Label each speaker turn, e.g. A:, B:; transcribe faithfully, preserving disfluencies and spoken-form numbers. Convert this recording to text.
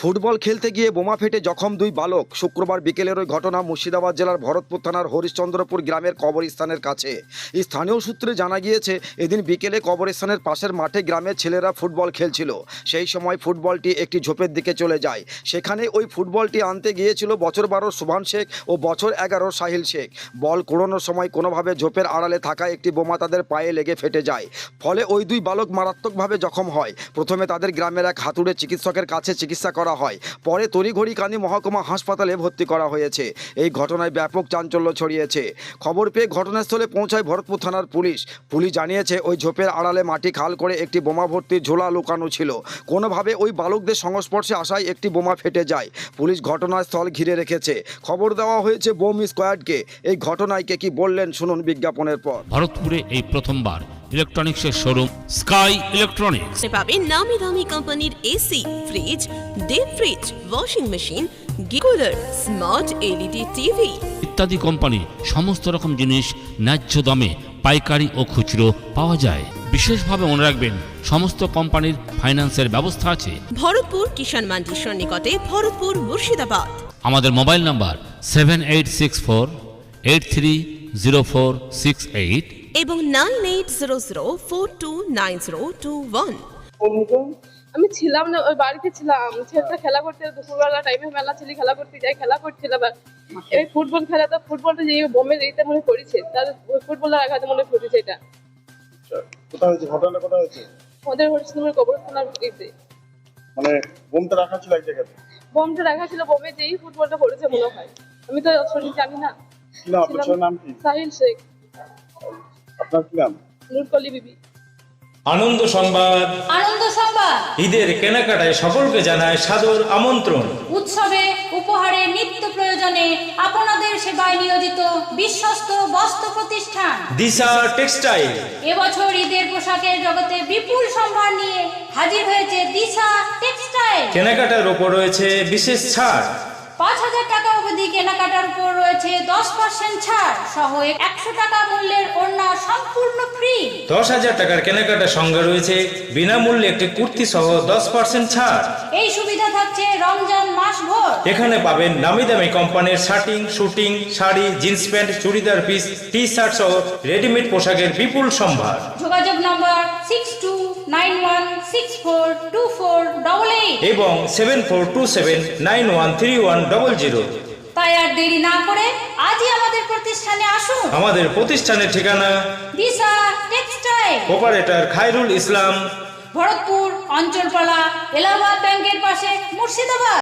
A: Football খেলতে গিয়ে বোমা ফেটে জখম দুই বালক। শুক্রবার বিকেলের ওই ঘটনা মুর্শিদাবাদ জেলার ভরতপুর থানার হরিশ্চন্দ্রপুর গ্রামের কবরস্থানের কাছে। স্থানীয় সূত্রে জানা গিয়েছে, এদিন বিকেলে কবরস্থানের পাশের মাঠে গ্রামের ছেলেরা ফুটবল খেলছিল। সেই সময় ফুটবলটি একটি ঝোপের দিকে চলে যায়। সেখানে ওই ফুটবলটি আনতে গিয়েছিল বছর বারোর সুভান শেখ ও বছর এগারোর সাহিল শেখ। বল কুড়োনোর সময় কোনোভাবে ঝোপের আড়ালে থাকা একটি বোমা তাদের পায়ে লেগে ফেটে যায়। ফলে ওই দুই বালক মারাত্মকভাবে জখম হয়। প্রথমে তাদের গ্রামের এক হাতুড়ে চিকিৎসকের কাছে চিকিৎসা করা হয়, পরে তড়িঘড়ি কান্দি মহকুমা হাসপাতালে ভর্তি করা হয়েছে। এই ঘটনায় ব্যাপক চাঞ্চল্য ছড়িয়েছে। খবর পেয়ে ঘটনাস্থলে পৌঁছায় ভরতপুর থানার পুলিশ। পুলিশ জানিয়েছে, ওই ঝোপের আড়ালে মাটি খাল করে একটি বোমা ভর্তি ঝোলা লুকানো ছিল। কোনোভাবে ওই বালকদের সংস্পর্শে আসায় একটি বোমা ফেটে যায়। পুলিশ ঘটনাস্থল ঘিরে রেখেছে। খবর দেওয়া হয়েছে বোম স্কোয়াডকে। এই ঘটনায় কে কি বললেন শুনুন বিজ্ঞাপনের পর।
B: ভারতপুরে এই প্রথমবার ইলেকট্রনিক্সের শোরুম স্কাই ইলেকট্রনিক্স
C: পাবেন নামি দামি কোম্পানির AC, fridge, deep fridge, washing machine, cooler, smart LED TV
B: ইত্যাদি কোম্পানি সমস্ত রকম জিনিস ন্যায্য দামে পাইকারি ও খুচরো পাওয়া যায়। বিশেষভাবে মনে রাখবেন, সমস্ত কোম্পানির ফাইন্যান্সের ব্যবস্থা আছে।
C: ভরতপুর কিষাণ মান্ডির সন্নিকটে, ভরতপুর মুর্শিদাবাদ।
B: আমাদের mobile number seven eight six four eight three zero four six eight
C: এবং nine eight zero zero four two nine zero two one.
D: আমি ছিলাম না, ওই বাড়িতে ছিলাম। ছেলেটা খেলা করতে, দুপুরবেলা টাইমে মেলা ছেলে খেলা করতে যায়, খেলা করছিল। এই ফুটবল খেলা, তো ফুটবলটা যে বোমের এইটা মনে করেছে, তার ফুটবলের আঘাতে মনে করেছে। এটা
E: কোথায় হয়েছে? ঘটনাটা কোথায় হয়েছে?
D: আমাদের হরিশ্চন্দ্রপুর কবরস্থানের দিকে।
E: মানে বোমটা রাখা ছিল এক জায়গাতে?
D: বোমটা রাখা ছিল, বোমে যেই ফুটবলটা করেছে মনে হয়। আমি তো সঠিক জানি না।
E: কি নাম আপনার? ছেলের নাম কি?
D: সাহিল শেখ।
E: আপনার কি নাম?
D: নুরকলি বিবি।
F: আনন্দ সংবাদ
G: আনন্দ সংবাদ
F: ঈদের কেনাকাটায় সকলকে জানায় সাদর আমন্ত্রণ।
G: উৎসবে উপহারে নিত্য প্রয়োজনে আপনাদের সেবায় নিয়োজিত বিশ্বস্ত বস্ত্র প্রতিষ্ঠান
F: দিশা টেক্সটাইল
G: এবছর ঈদের পোশাকের জগতে বিপুল সম্ভার নিয়ে হাজির হয়েছে দিশা টেক্সটাইল।
F: কেনাকাটার ওপর রয়েছে বিশেষ ছাড়।
G: পাঁচ হাজার টাকা অবধি কেনাকাটার উপর রয়েছে দশ পার্সেন্ট ছাড় সহ একশো টাকা মূল্যের ওড়না সম্পূর্ণ ফ্রি।
F: দশ হাজার টাকার কেনাকাটার সঙ্গে রয়েছে বিনামূল্যে একটি কুর্তি সহ দশ পার্সেন্ট ছাড়।
G: এই সুবিধা থাকছে রমজান মাস ভর।
F: এখানে পাবেন নামি দামি কোম্পানির shirting, suiting, sari, jeans pant, churidar piece, T shirt সহ রেডিমেড পোশাকের বিপুল সম্ভার।
G: যোগাযোগ number six two nine one six four two four double eight
F: এবং seven four two seven nine one three one double zero.
G: তাই আর দেরি না করে আজই আমাদের প্রতিষ্ঠানে আসুন।
F: আমাদের প্রতিষ্ঠানের ঠিকানা
G: দিশা টেক্সটাইল,
F: অপারেটর খায়রুল ইসলাম,
G: ভরতপুর অঞ্চলপালা, এলাহাবাদ ব্যাংকের পাশে, মুর্শিদাবাদ।